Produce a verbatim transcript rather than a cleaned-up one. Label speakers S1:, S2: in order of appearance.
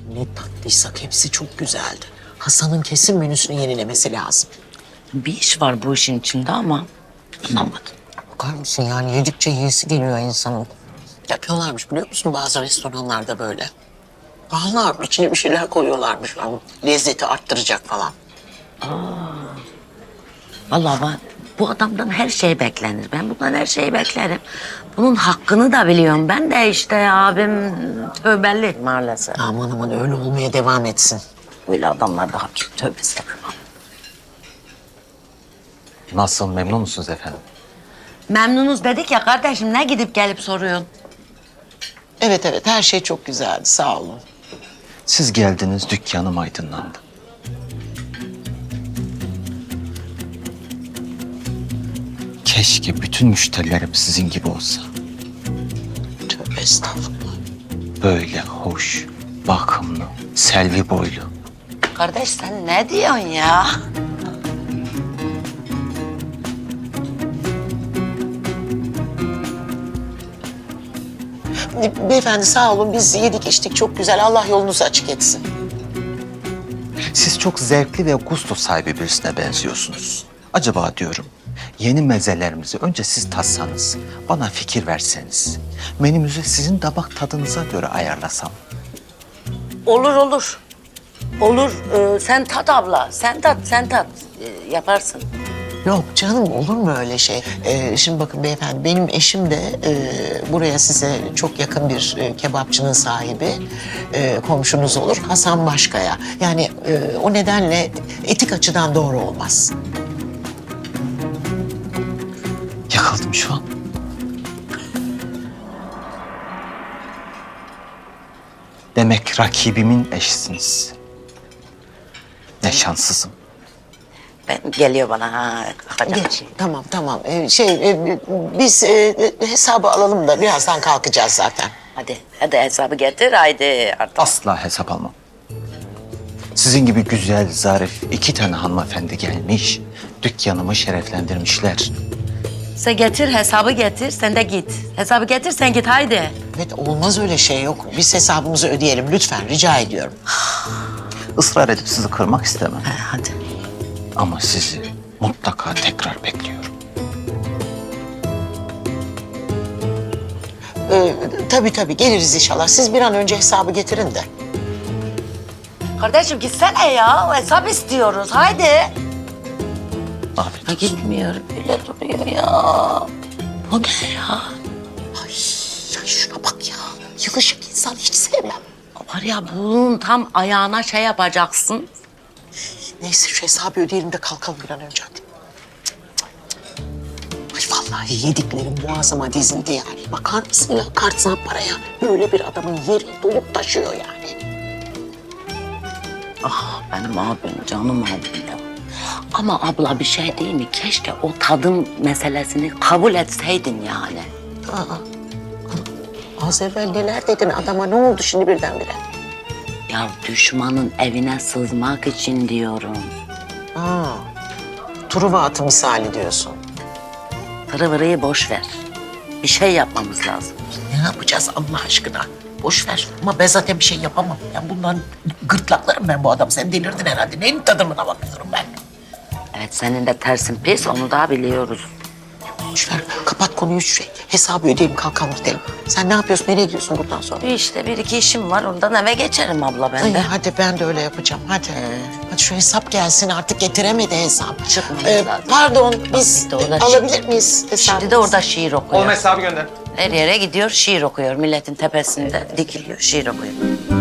S1: Ne tatlıysak hepsi çok güzeldi. Hasan'ın kesin menüsünü yenilemesi lazım.
S2: Bir iş var bu işin içinde ama anlamadım.
S1: Bakar mısın yani yedikçe yiyesi geliyor insanın. Yapıyorlarmış biliyor musun bazı restoranlarda böyle. Pahalı içine bir şeyler koyuyorlarmış. Yani lezzeti arttıracak falan.
S2: Vallahi ben, bu adamdan her şey beklenir. Ben bundan her şeyi beklerim. Bunun hakkını da biliyorum. Ben de işte abim tövbeli maalesef.
S1: Aman aman öyle olmaya devam etsin.
S2: Böyle adamlar da hakim tövbe estağfurullah.
S3: Nasıl, memnun musunuz efendim?
S2: Memnunuz dedik ya kardeşim, ne gidip gelip soruyorsun?
S1: Evet evet her şey çok güzeldi sağ olun.
S3: Siz geldiniz, dükkanım aydınlandı. Keşke bütün müşterilerim sizin gibi olsa.
S1: Tövbe estağfurullah.
S3: Böyle hoş, bakımlı, selvi boylu.
S2: Kardeş sen ne diyorsun ya?
S1: Beyefendi sağ olun biz yedik içtik çok güzel. Allah yolunuzu açık etsin.
S3: Siz çok zevkli ve gusto sahibi birisine benziyorsunuz. Acaba diyorum, yeni mezelerimizi önce siz tatsanız, bana fikir verseniz, menümüzü sizin damak tadınıza göre ayarlasam.
S2: Olur olur. Olur. Ee, sen tat abla. Sen tat, sen tat. Ee, yaparsın.
S1: Yok canım olur mu öyle şey? Ee, şimdi bakın beyefendi benim eşim de e, buraya size çok yakın bir e, kebapçının sahibi. E, komşunuz olur Hasan Başkaya. Yani e, o nedenle etik açıdan doğru olmaz.
S3: Yakıldım şu an. Demek rakibimin eşisiniz. Ne şanssızım.
S2: Ben geliyor bana ha. Kalkacak
S1: Geç.
S2: şey.
S1: Tamam tamam. Ee, şey e, biz e, hesabı alalım da birazdan kalkacağız zaten.
S2: Hadi, hadi hesabı getir haydi artık.
S3: Asla hesap almam. Sizin gibi güzel, zarif iki tane hanımefendi gelmiş, dükkanımı şereflendirmişler.
S2: Sen getir hesabı getir, sen de git. Hesabı getir, sen git haydi.
S1: Evet olmaz öyle şey yok. Biz hesabımızı ödeyelim lütfen rica ediyorum.
S3: Israr edip sizi kırmak istemem.
S2: Ha, hadi.
S3: Ama sizi mutlaka tekrar bekliyorum.
S1: Ee, tabii tabii geliriz inşallah. Siz bir an önce hesabı getirin de.
S2: Kardeşim gitsene ya, hesap istiyoruz haydi.
S3: Afiyet
S2: Ha,
S3: olsun.
S2: gitmiyor, öyle duruyor ya. Bu ne ya?
S1: Ay, ay şuna bak ya. Yılışık insan hiç sevmem.
S2: Var ya bunun tam ayağına şey yapacaksın.
S1: Neyse şu hesabı ödeyelim de kalkalım bir an önce hadi. Ay vallahi yediklerim boğazıma dizildi yani. Bakar mısın ya kartsal paraya? Böyle bir adamın yeri dolup taşıyor yani.
S2: Ah benim abim, canım abim ya. Ama abla bir şey değil mi? Keşke o tadım meselesini kabul etseydin yani.
S1: Aa, az evvel neler dedin adama ne oldu şimdi birdenbire?
S2: Ya düşmanın evine sızmak için diyorum.
S1: Aa, Truva atı misali diyorsun.
S2: Tırı vırıyı boş ver. Bir şey yapmamız lazım.
S1: Ne yapacağız Allah aşkına? Boş ver ama ben zaten bir şey yapamam. Ben bundan gırtlaklarım ben bu adam. Sen delirdin herhalde. Neyin tadımına bakıyorum ben?
S2: Evet senin de tersin pis, onu da biliyoruz.
S1: Boş ver. Kapat konuyu şey. Hesabı ödeyelim kalkalım gidelim. Sen ne yapıyorsun? Nereye gidiyorsun buradan sonra?
S2: Bir işte bir iki işim var, ondan eve geçerim abla ben
S1: Ay,
S2: de.
S1: hadi ben de öyle yapacağım. Hadi. Hadi şu hesap gelsin artık getiremedi hesap.
S2: Çıkmamış
S1: Ee,
S2: zaten.
S1: pardon biz
S2: Bir de orada
S1: e, alabilir miyiz hesabı?
S2: Şimdi de orada şiir okuyor.
S3: hesabı gönder.
S2: Her yere gidiyor, şiir okuyor. Milletin tepesinde dikiliyor, şiir okuyor.